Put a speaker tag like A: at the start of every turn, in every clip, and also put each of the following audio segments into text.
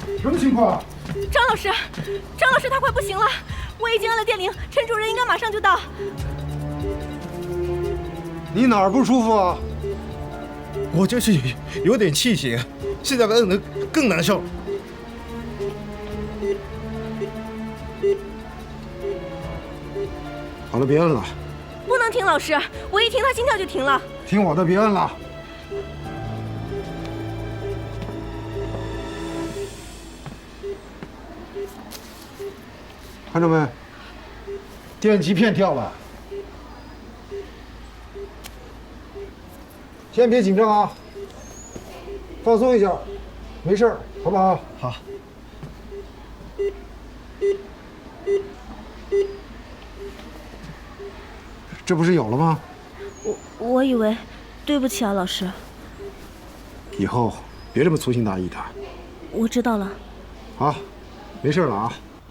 A: 什么情况？
B: 张老师，他快不行了，我已经按了电铃，陈主任应该马上就到。
A: 你哪儿不舒服啊？
C: 我就是有点气血，现在摁得更难受。
A: 好了，别摁了。
B: 不能停，老师，我一停他心跳就停了。
A: 听我的，别摁了。看着没？电极片掉了。先别紧张啊，放松一下，没事儿，好不好？
C: 好。
A: 这不是有了吗？
B: 我以为，对不起啊，老师。
A: 以后别这么粗心大意的。
B: 我知道了。
A: 好，没事了啊。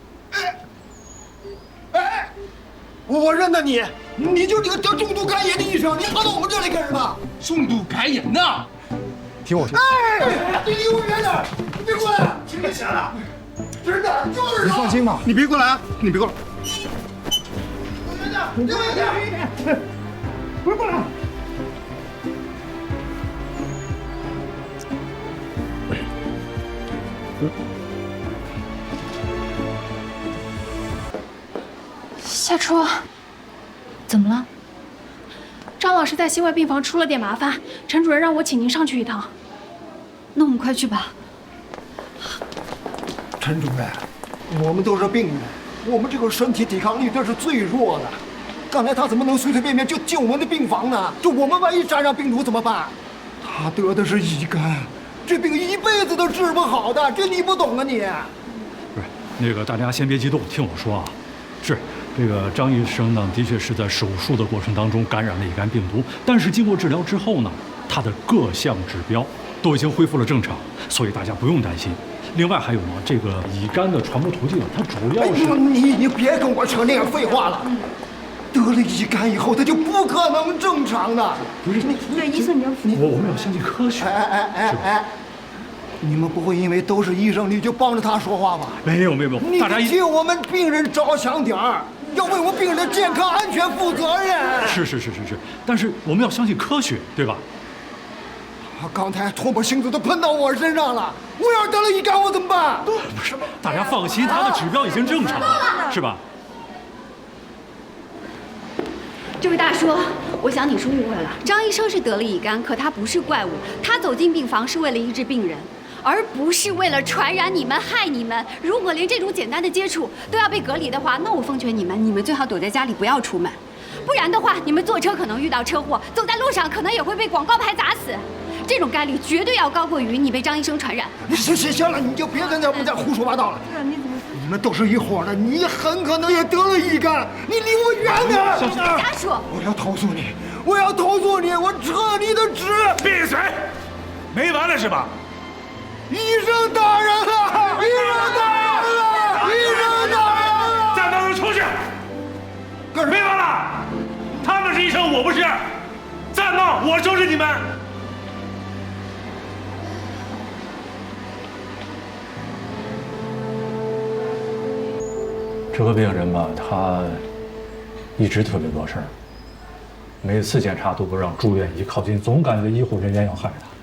C: 我认得你，你就是那个得重度肝炎的医生，你跑到我们这里干什么？
D: 重度肝炎呐！
A: 听我说。
C: 哎，你离我远点，你别过来！
D: 真的假的？
C: 真的，就是
A: 你放心吧，
C: 你别过来啊！你别过来！
A: 你离我远点，不是过来。
E: 夏初，怎么了？张老师在心外病房出了点麻烦，陈主任让我请您上去一趟。那我们快去吧。
C: 陈主任，我们都是病人，我们这个身体抵抗力这是最弱的。刚才他怎么能随随便便就进我们的病房呢？这我们万一沾上病毒怎么办？他得的是乙肝，这病一辈子都治不好的，这你不懂啊你？
F: 不是，那个大家先别激动，听我说啊。是这个张医生呢，的确是在手术的过程当中感染了乙肝病毒，但是经过治疗之后呢，他的各项指标都已经恢复了正常，所以大家不用担心。另外还有呢，这个乙肝的传播途径，它主要是……
C: 你别跟我扯那个废话了。得了乙肝以后，他就不可能正常的。
F: 不是
B: 对，医生你要
F: 我们要相信科学。
C: 哎，你们不会因为都是医生，你就帮着他说话吧？
F: 没有，大家
C: 替我们病人着想点儿，要为我们病人的健康安全负责任。
F: 是，但是我们要相信科学，对吧？
C: 刚才唾沫星子都喷到我身上了，我要是得了乙肝，我怎么办？
F: 不是，大家放心，他的指标已经正常了，是吧？
G: 这位大叔，我想你是误会了。张医生是得了乙肝，可他不是怪物，他走进病房是为了医治病人，而不是为了传染你们、害你们。如果连这种简单的接触都要被隔离的话，那我奉劝你们最好躲在家里，不要出门。不然的话，你们坐车可能遇到车祸，走在路上可能也会被广告牌砸死。这种概率绝对要高过于你被张医生传染。
C: 行了，你就别在那再胡说八道了。你们都是一伙的，你很可能也得了乙肝，你离我远点！
G: 家属，
C: 我要投诉你，我撤你的职！
D: 闭嘴！没完了是吧？
C: 医生大人啊！
D: 暂放他出去！没完了！他们是医生，我不是。再闹，我收拾你们！
F: 这个病人吧，他一直特别多事儿，每次检查都不让住院，一靠近总感觉医护人员要害他，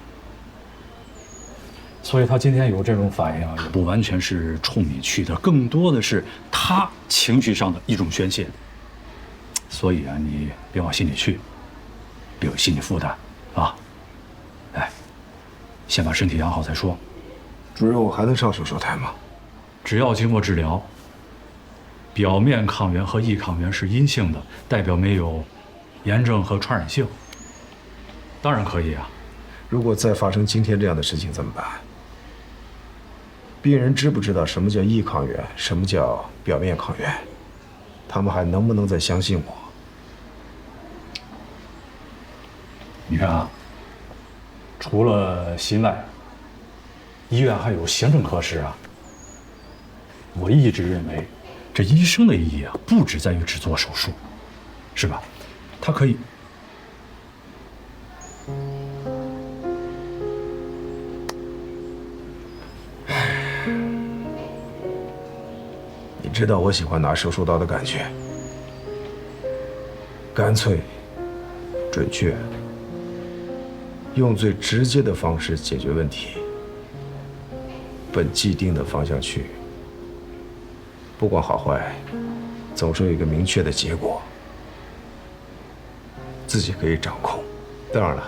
F: 所以他今天有这种反应啊，也不完全是冲你去的，更多的是他情绪上的一种宣泄。所以啊，你别往心里去，别有心理负担啊。哎，先把身体养好再说。
A: 主任，我还能上手术台吗？
F: 只要经过治疗。表面抗原和异抗原是阴性的，代表没有炎症和传染性。当然可以啊。
A: 如果再发生今天这样的事情怎么办？病人知不知道什么叫异抗原，什么叫表面抗原？他们还能不能再相信我？
F: 你看啊，除了心外，医院还有行政科室啊。我一直认为。这医生的意义啊，不只在于只做手术，是吧？他可以。
A: 知道我喜欢拿手术刀的感觉，干脆、准确，用最直接的方式解决问题，奔既定的方向去。不管好坏，总是有一个明确的结果，自己可以掌控。当然了，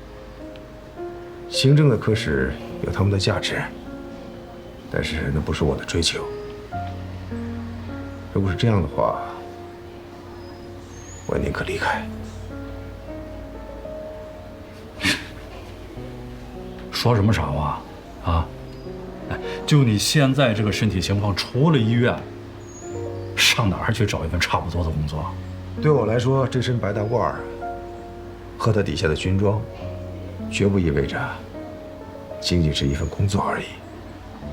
A: 行政的科室有他们的价值，但是那不是我的追求。如果是这样的话，我宁可离开。
F: 说什么傻话啊？哎，就你现在这个身体情况，除了医院，上哪儿去找一份差不多的工作？
A: 对我来说，这身白大褂和它底下的军装，绝不意味着仅仅是一份工作而已。